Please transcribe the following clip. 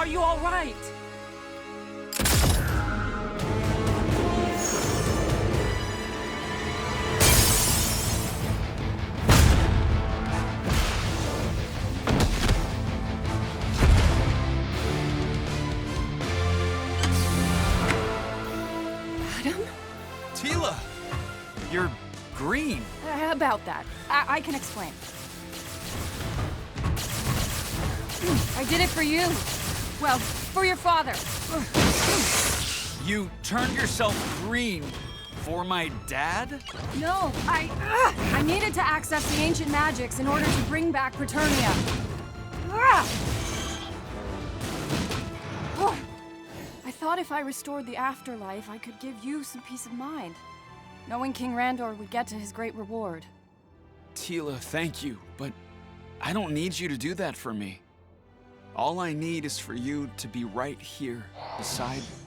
Are you all right? Adam? Tila! You're green. About that. I can explain. I did it for you. Well, for your father. You turned yourself green for my dad? No, I needed to access the ancient magics in order to bring back Preternia. I thought if I restored the afterlife, I could give you some peace of mind, knowing King Randor would get to his great reward. Tila, thank you, but I don't need you to do that for me. All I need is for you to be right here, beside